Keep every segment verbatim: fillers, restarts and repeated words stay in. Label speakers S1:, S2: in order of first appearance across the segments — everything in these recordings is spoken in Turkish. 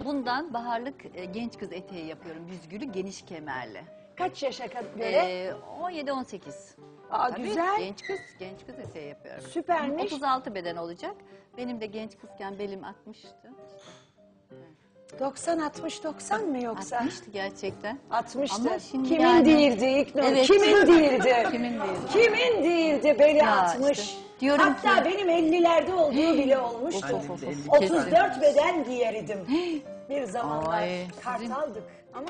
S1: bundan baharlık e, genç kız eteği yapıyorum. Büzgülü, geniş kemerli.
S2: Kaç yaşa göre?
S1: Ee, on yedi on sekiz.
S2: Aa,
S1: Tabii,
S2: güzel.
S1: Genç kız, genç kız eteği yapıyorum.
S2: Süpermiş.
S1: otuz altı beden olacak. Benim de genç kızken belim altmıştı.
S2: doksan altmış doksan mı yoksa?
S1: altmıştı gerçekten.
S2: altmıştı.
S1: Ama şimdi
S2: Kimin
S1: yani-
S2: değildi İlknur?
S1: Evet.
S2: Kimin değildi?
S1: Kimin değildi?
S2: Kimin değildi beli
S1: Ya
S2: altmış?
S1: işte, diyorum
S2: Hatta
S1: ki-
S2: benim ellilerde olduğu bile olmuştu.
S1: Of, of, of, of.
S2: otuz dört beden giyeridim. Bir zamanlar
S1: Ay, sizin-
S2: kartaldık ama.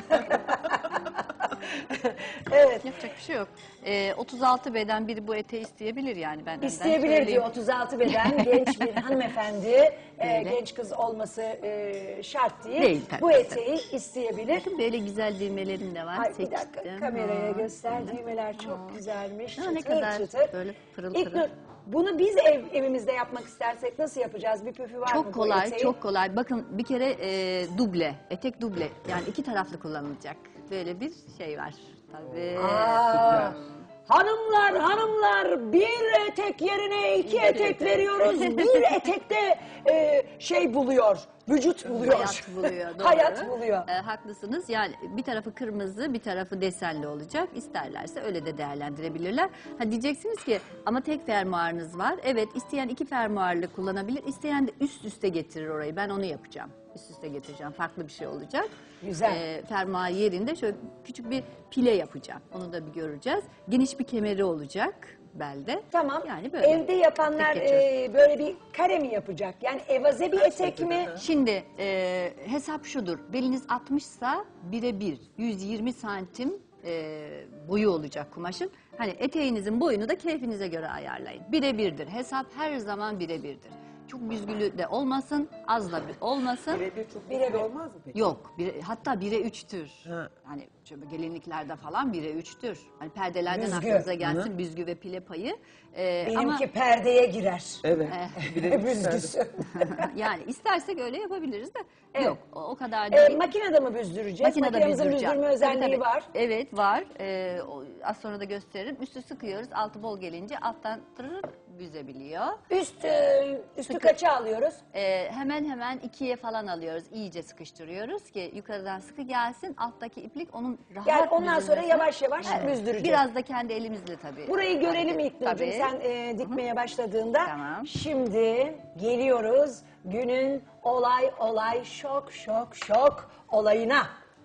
S2: Evet.
S1: Yapacak bir şey yok. Ee, otuz altı beden biri bu eteği isteyebilir yani. Ben
S2: İsteyebilir diyor otuz altı beden genç bir hanımefendi, e,
S1: Böyle.
S2: genç kız olması e, şart değil.
S1: Değil tabii,
S2: Bu eteği isteyebilir.
S1: Bakın böyle güzel düğmelerim de var.
S2: Ay, bir
S1: Seçtim.
S2: dakika kameraya
S1: Aa,
S2: göster. Düğmeler çok
S1: Aa.
S2: güzelmiş.
S1: Aa,
S2: Çıtır
S1: ne kadar
S2: çıtır.
S1: böyle pırıl
S2: İlknur,
S1: pırıl.
S2: bunu biz ev, evimizde yapmak istersek nasıl yapacağız? Bir püfü var mı
S1: Çok
S2: bu
S1: kolay,
S2: eteğin?
S1: çok kolay. Bakın bir kere e, duble, etek duble. Yani iki taraflı kullanılacak. Böyle bir şey var. Tabii.
S2: Aa, hanımlar hanımlar bir etek yerine iki etek veriyoruz. Bir etekte e, şey buluyor, vücut buluyor.
S1: Hayat buluyor. Doğru.
S2: Hayat buluyor.
S1: E, haklısınız. Yani bir tarafı kırmızı, bir tarafı desenli olacak. İsterlerse öyle de değerlendirebilirler. Ha diyeceksiniz ki ama tek fermuarınız var. Evet, isteyen iki fermuarlı kullanabilir. İsteyen de üst üste getirir orayı. Ben onu yapacağım. Üst üste getireceğim. Farklı bir şey olacak.
S2: Güzel.
S1: E, fermuar yerinde şöyle küçük bir pile yapacağım. Onu da bir göreceğiz. Geniş bir kemeri olacak belde.
S2: Tamam.
S1: Yani böyle.
S2: Evde yapanlar
S1: Tek geçiyor.
S2: e, böyle bir kare mi yapacak? Yani evaze bir etek mi?
S1: Şimdi e, hesap şudur. Beliniz altmışsa bire bir, yüz yirmi santim e, boyu olacak kumaşın. Hani eteğinizin boyunu da keyfinize göre ayarlayın. Bire birdir. Hesap her zaman bire birdir. Çok büzgülü de olmasın, az da olmasın.
S3: Birebir çok
S2: Birebir.
S3: birebir olmaz mı peki?
S1: Yok, bire, hatta bire üçtür.
S3: Ha.
S1: Hani şöyle gelinliklerde falan bire üçtür. Hani perdelerden
S2: Büzgü.
S1: aklınıza gelsin büzgü ve pile payı. E,
S2: Benimki
S1: ama
S2: perdeye girer.
S3: Evet. Birebir
S2: Büzgüsü.
S1: yani istersek öyle yapabiliriz de
S2: Evet.
S1: yok o, o kadar
S2: E,
S1: değil.
S2: makinede mi büzdüreceğiz?
S1: Makinede
S2: Makinemizin
S1: büzdüreceğim.
S2: büzdürme
S1: Tabii,
S2: özelliği
S1: tabii.
S2: var.
S1: Evet var. Ee, o- az sonra da gösteririm. Üstü sıkıyoruz. Altı bol gelince alttan tırırıp büzebiliyor.
S2: Üst, e, üstü
S1: Sıkı.
S2: kaça alıyoruz?
S1: Ee, hemen hemen ikiye falan alıyoruz. İyice sıkıştırıyoruz ki yukarıdan sıkı gelsin. Alttaki iplik onun rahat
S2: Yani ondan sonra
S1: büzülmesine-
S2: yavaş yavaş
S1: Evet.
S2: büzdüreceğiz.
S1: Biraz da kendi elimizle tabii.
S2: Burayı görelim
S1: Tabii.
S2: İlknur'cum sen e, dikmeye başladığında.
S1: Tamam.
S2: Şimdi geliyoruz günün olay olay şok şok şok olayına.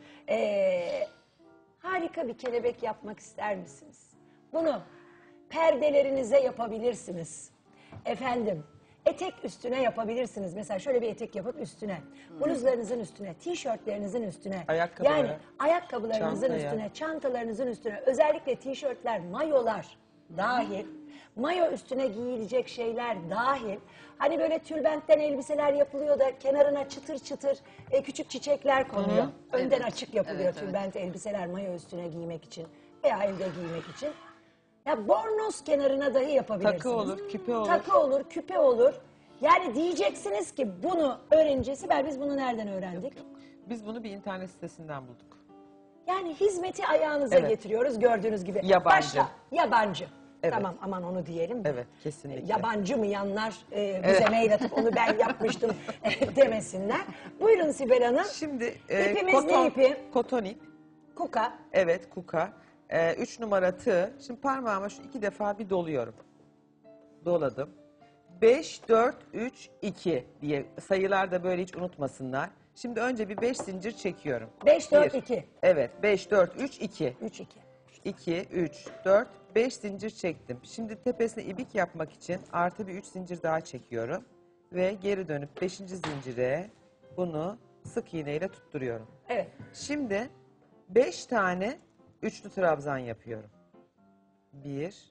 S2: E, harika bir kelebek yapmak ister misiniz? Bunu perdelerinize yapabilirsiniz. Efendim etek üstüne yapabilirsiniz. Mesela şöyle bir etek yapıp üstüne. Bluzlarınızın üstüne, tişörtlerinizin üstüne.
S3: Ayakkabılara.
S2: Yani ayakkabılarınızın
S3: Çantaya.
S2: üstüne, çantalarınızın üstüne. Özellikle tişörtler, mayolar dahil. Mayo üstüne giyilecek şeyler dahil. Hani böyle tülbentten elbiseler yapılıyor da kenarına çıtır çıtır e, küçük çiçekler konuyor. Önden
S1: Evet.
S2: açık yapılıyor
S1: Evet, evet.
S2: tülbent elbiseler mayo üstüne giymek için veya evde giymek için. Ya bornoz kenarına dahi yapabilirsiniz.
S3: Takı olur, küpe olur.
S2: Takı olur, küpe olur. Yani diyeceksiniz ki bunu öğrenince Sibel biz bunu nereden öğrendik?
S3: Biz bunu bir internet sitesinden bulduk.
S2: Yani hizmeti ayağınıza
S3: Evet.
S2: getiriyoruz gördüğünüz gibi.
S3: Yabancı.
S2: Başla. Yabancı.
S3: Evet.
S2: Tamam aman onu diyelim.
S3: Evet, kesinlikle.
S2: Yabancı mı yanlar e, bize mail atıp onu ben yapmıştım e, demesinler. Buyurun Sibel Hanım.
S3: Şimdi e,
S2: İpimiz
S3: koton,
S2: ne ipi?
S3: koton ip.
S2: Kuka.
S3: Evet, kuka. E, üç numara tığ. Şimdi parmağıma şu iki defa bir doluyorum. Doladım. Beş, dört, üç, iki diye sayılar da böyle hiç unutmasınlar. Şimdi önce bir beş zincir çekiyorum.
S2: Beş, dört,
S3: Bir.
S2: iki.
S3: Evet, beş, dört, üç, iki.
S2: Üç, iki.
S3: iki, üç, dört, beş zincir çektim. Şimdi tepesine ibik yapmak için artı bir üç zincir daha çekiyorum. Ve geri dönüp beşinci zincire bunu sık iğneyle tutturuyorum.
S2: Evet.
S3: Şimdi beş tane üçlü trabzan yapıyorum. bir,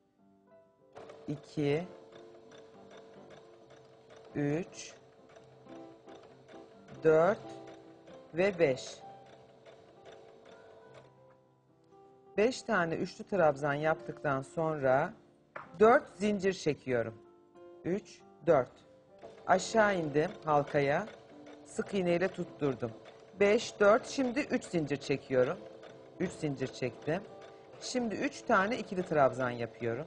S3: iki, üç, dört ve beş. beş tane üçlü trabzan yaptıktan sonra dört zincir çekiyorum. üç, dört. Aşağı indim halkaya. Sık iğneyle tutturdum. beş, dört. Şimdi üç zincir çekiyorum. üç zincir çektim. Şimdi üç tane ikili trabzan yapıyorum.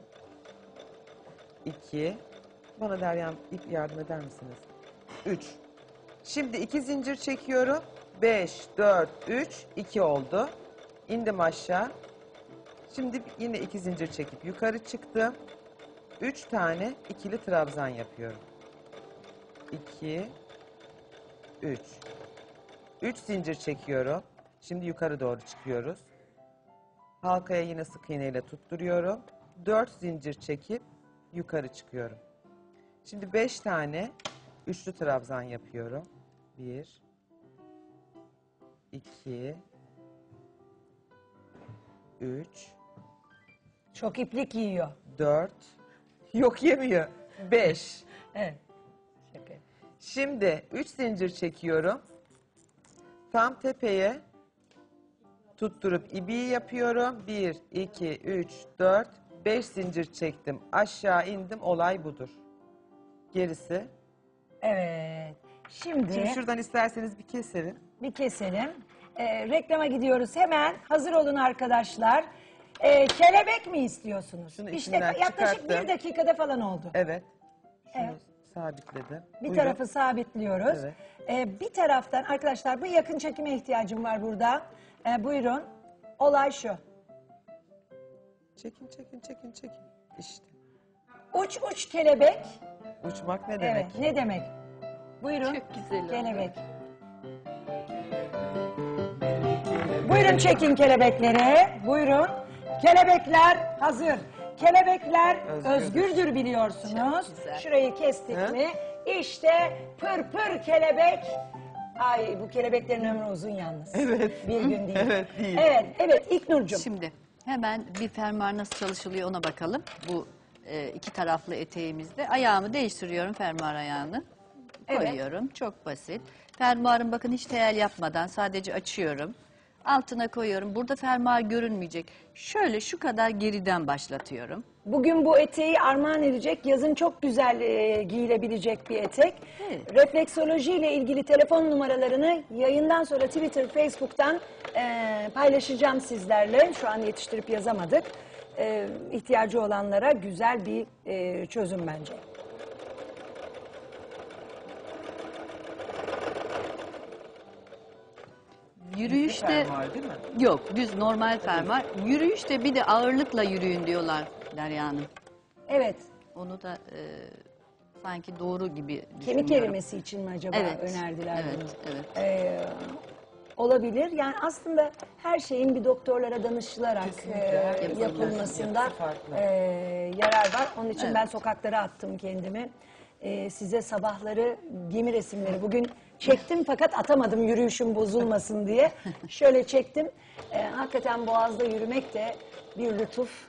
S3: iki. Bana Derya ip yardım eder misiniz? üç. Şimdi iki zincir çekiyorum. beş, dört, üç, iki oldu. İndim aşağı. Şimdi yine iki zincir çekip yukarı çıktım. üç tane ikili trabzan yapıyorum. iki, üç. üç zincir çekiyorum. Şimdi yukarı doğru çıkıyoruz. Halkaya yine sık iğne ile tutturuyorum. dört zincir çekip yukarı çıkıyorum. Şimdi beş tane üçlü trabzan yapıyorum. bir, iki, üç,
S2: Çok iplik yiyor.
S3: dört, yok yemiyor, beş.
S2: Evet. Şaka.
S3: Şimdi üç zincir çekiyorum. Tam tepeye tutturup ibiği yapıyorum. bir, iki, üç, dört, beş zincir çektim. Aşağı indim. Olay budur. Gerisi.
S2: Evet. Şimdi,
S3: Şimdi şuradan isterseniz bir keselim.
S2: bir keselim. Ee, reklama gidiyoruz hemen. Hazır olun arkadaşlar. Ee, kelebek mi istiyorsunuz?
S3: Şunu
S2: işte
S3: içinden
S2: yaklaşık
S3: çıkarttım.
S2: bir dakikada falan oldu.
S3: Evet. Şunu
S2: Evet.
S3: sabitledim.
S2: Bir
S3: Buyurun.
S2: tarafı sabitliyoruz.
S3: Evet.
S2: Ee, bir taraftan arkadaşlar bu yakın çekime ihtiyacım var burada. Ee, buyurun. Olay şu.
S3: Çekin, çekin, çekin, çekin. İşte.
S2: Uç uç kelebek.
S3: Uçmak ne demek?
S2: Evet, ne demek? Buyurun.
S1: Çok güzel oldu.
S2: Kelebek. Buyurun çekin kelebekleri. Buyurun. Kelebekler hazır. Kelebekler
S3: Özgürdür.
S2: özgürdür biliyorsunuz.
S1: Çok güzel.
S2: Şurayı kestik
S3: Hı?
S2: mi? İşte pır pır kelebek. Ay bu kelebeklerin ömrü uzun yalnız.
S3: Evet.
S2: Bir gün değil.
S3: Evet, değil.
S2: Evet, evet İlknur'cum.
S1: Şimdi hemen bir fermuar nasıl çalışılıyor ona bakalım. Bu e, iki taraflı eteğimizde. Ayağımı değiştiriyorum, fermuar ayağını.
S2: Evet.
S1: Koyuyorum. Çok basit. Fermuarın bakın hiç teyel yapmadan sadece açıyorum. Altına koyuyorum. Burada fermuar görünmeyecek. Şöyle şu kadar geriden başlatıyorum.
S2: Bugün bu eteği armağan edecek, yazın çok güzel e, giyilebilecek bir etek.
S1: Evet.
S2: Refleksoloji ile ilgili telefon numaralarını yayından sonra Twitter, Facebook'tan e, paylaşacağım sizlerle. Şu an yetiştirip yazamadık. E, ihtiyacı olanlara güzel bir e, çözüm bence.
S1: Yürüyüşte
S3: Fermuar değil mi?
S1: yok, düz normal fermuar. Yürüyüşte bir de ağırlıkla yürüyün diyorlar Derya Hanım.
S2: Evet,
S1: Onu da e, sanki doğru gibi
S2: kemik
S1: düşünüyorum.
S2: erimesi için mi acaba
S1: Evet,
S2: önerdiler
S1: evet,
S2: bunu?
S1: evet.
S2: Ee, olabilir. Yani aslında her şeyin bir doktorlara danışılarak
S3: Kesinlikle,
S2: e,
S3: herkesin
S2: yapılmasında
S3: yapısı farklı.
S2: e, yarar var. Onun için
S1: Evet.
S2: ben sokaklara attım kendimi. E, size sabahları gemi resimleri bugün çektim fakat atamadım yürüyüşüm bozulmasın diye. Şöyle çektim. E, hakikaten Boğaz'da yürümek de bir lütuf.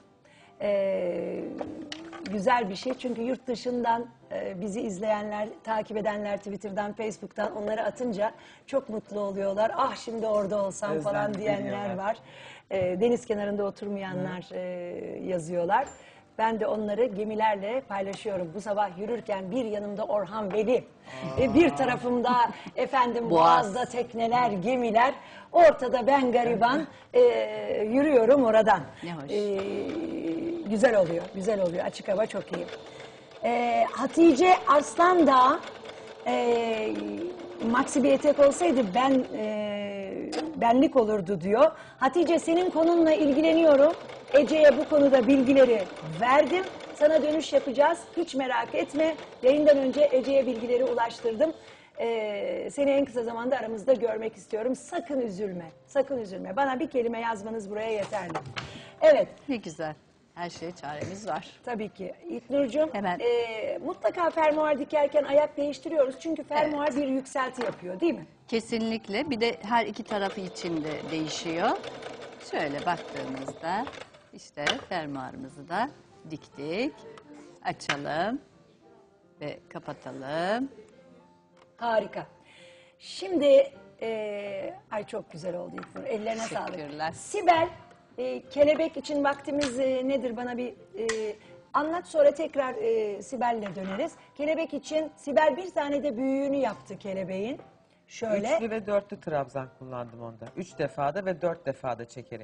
S2: E, güzel bir şey çünkü yurt dışından e, bizi izleyenler, takip edenler Twitter'dan, Facebook'tan onları atınca çok mutlu oluyorlar. Ah şimdi orada olsam falan
S3: Özlem
S2: diyenler
S3: duyuyorlar.
S2: var. E, deniz kenarında oturmayanlar e, yazıyorlar. Ben de onları gemilerle paylaşıyorum. Bu sabah yürürken bir yanımda Orhan Veli, e, bir tarafımda efendim
S1: Boğaz.
S2: Boğaz'da tekneler, gemiler, ortada ben gariban e, yürüyorum oradan.
S1: Ne hoş.
S2: E, güzel oluyor, güzel oluyor. Açık hava çok iyi. E, Hatice Arslan da e, maxi bir etek olsaydı ben e, benlik olurdu diyor. Hatice senin konunla ilgileniyorum. Ece'ye bu konuda bilgileri verdim. Sana dönüş yapacağız. Hiç merak etme. Yayından önce Ece'ye bilgileri ulaştırdım. Ee, seni en kısa zamanda aramızda görmek istiyorum. Sakın üzülme. Sakın üzülme. Bana bir kelime yazmanız buraya yeterli. Evet.
S1: Ne güzel. Her şeye çaremiz var.
S2: Tabii ki. İlknur'cum
S1: Hemen.
S2: e, mutlaka fermuar dikerken ayak değiştiriyoruz. Çünkü fermuar bir yükselti yapıyor değil mi?
S1: Kesinlikle. Bir de her iki tarafı için de değişiyor. Şöyle baktığımızda işte fermuarımızı da diktik. Açalım ve kapatalım.
S2: Harika. Şimdi e, ay çok güzel oldu İlknur. Ellerine sağlık.
S1: Teşekkürler.
S2: Sibel, e, kelebek için vaktimiz e, nedir bana bir e, anlat sonra tekrar e, Sibel'le döneriz. Kelebek için Sibel bir tane de büyüğünü yaptı kelebeğin. Şöyle.
S3: Üçlü ve dörtlü trabzan kullandım onda. Üç defada ve dört defada çekerek.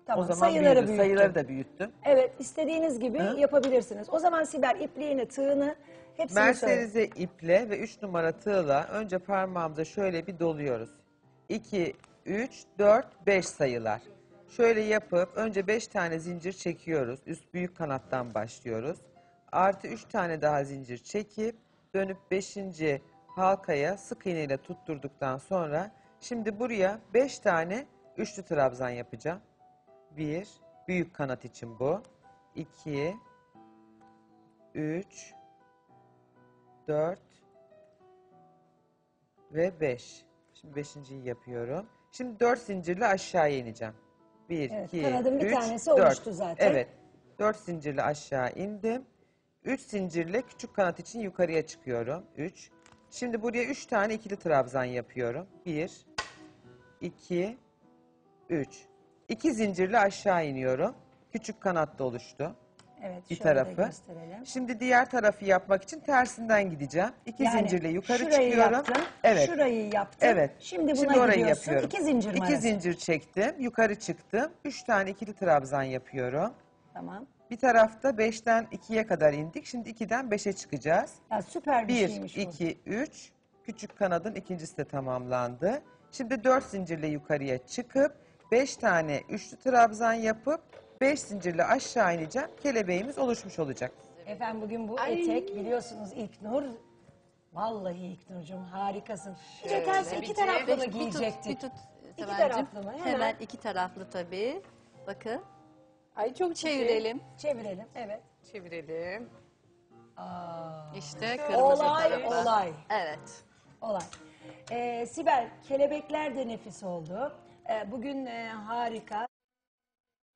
S2: Tamam,
S3: O zaman
S2: sayıları
S3: büyüdü.
S2: büyüttüm.
S3: Sayıları da büyüttüm.
S2: Evet, istediğiniz gibi
S3: Hı?
S2: yapabilirsiniz. O zaman Sibel ipliğini, tığını hepsini söyle.
S3: Merserize iple ve üç numara tığla önce parmağımıza şöyle bir doluyoruz. iki, üç, dört, beş sayılar. Şöyle yapıp önce beş tane zincir çekiyoruz. Üst büyük kanattan başlıyoruz. Artı üç tane daha zincir çekip dönüp beşinci halkaya sık iğne ile tutturduktan sonra şimdi buraya beş tane üçlü trabzan yapacağım. bir, büyük kanat için bu. iki, üç, dört ve beş. Şimdi beşinciyi yapıyorum. Şimdi dört zincirle aşağıya ineceğim. bir,
S2: Evet,
S3: iki,
S2: kanadın bir
S3: üç,
S2: tanesi
S3: dört.
S2: oluştu zaten.
S3: Evet. dört zincirle aşağı indim. üç zincirle küçük kanat için yukarıya çıkıyorum. üç. Şimdi buraya üç tane ikili trabzan yapıyorum. bir, iki, üç. iki zincirle aşağı iniyorum. Küçük kanat da oluştu.
S2: Evet,
S3: Bir
S2: şöyle de
S3: tarafı.
S2: gösterelim.
S3: Şimdi diğer tarafı yapmak için tersinden gideceğim. İki
S2: Yani
S3: zincirle yukarı
S2: şurayı
S3: çıkıyorum.
S2: yaptın,
S3: Evet.
S2: şurayı yaptın.
S3: Evet.
S2: Şimdi buna
S3: Şimdi orayı
S2: gidiyorsun.
S3: yapıyorum.
S2: İki zincir mi
S3: İki
S2: arası?
S3: zincir çektim. Yukarı çıktım. Üç tane ikili trabzan yapıyorum.
S2: Tamam.
S3: Bir tarafta beşten ikiye kadar indik. Şimdi ikiden beşe çıkacağız.
S2: Ya süper bir,
S3: Bir,
S2: şeymiş bu.
S3: iki, üç. Küçük kanadın ikincisi de tamamlandı. Şimdi dört zincirle yukarıya çıkıp beş tane üçlü trabzan yapıp beş zincirle aşağı ineceğim. Kelebeğimiz oluşmuş olacak.
S2: Efendim bugün bu
S1: Ay.
S2: etek biliyorsunuz İlknur. Vallahi İlknur'cum harikasın. Bir de ters iki
S1: Bir
S2: taraflı mı
S1: tut,
S2: giyecektik?
S1: Bir tut,
S2: İki
S1: Sevalcim.
S2: taraflı mı? Hemen.
S1: Hemen iki taraflı tabii. Bakın.
S4: Ay çok
S1: Çevirelim.
S2: Çevirelim, evet.
S4: Çevirelim.
S1: İşte kırmızı
S2: Olay,
S1: tarafa.
S2: olay,
S1: Evet.
S2: olay. Ee, Sibel, kelebekler de nefis oldu. Ee, bugün e, harika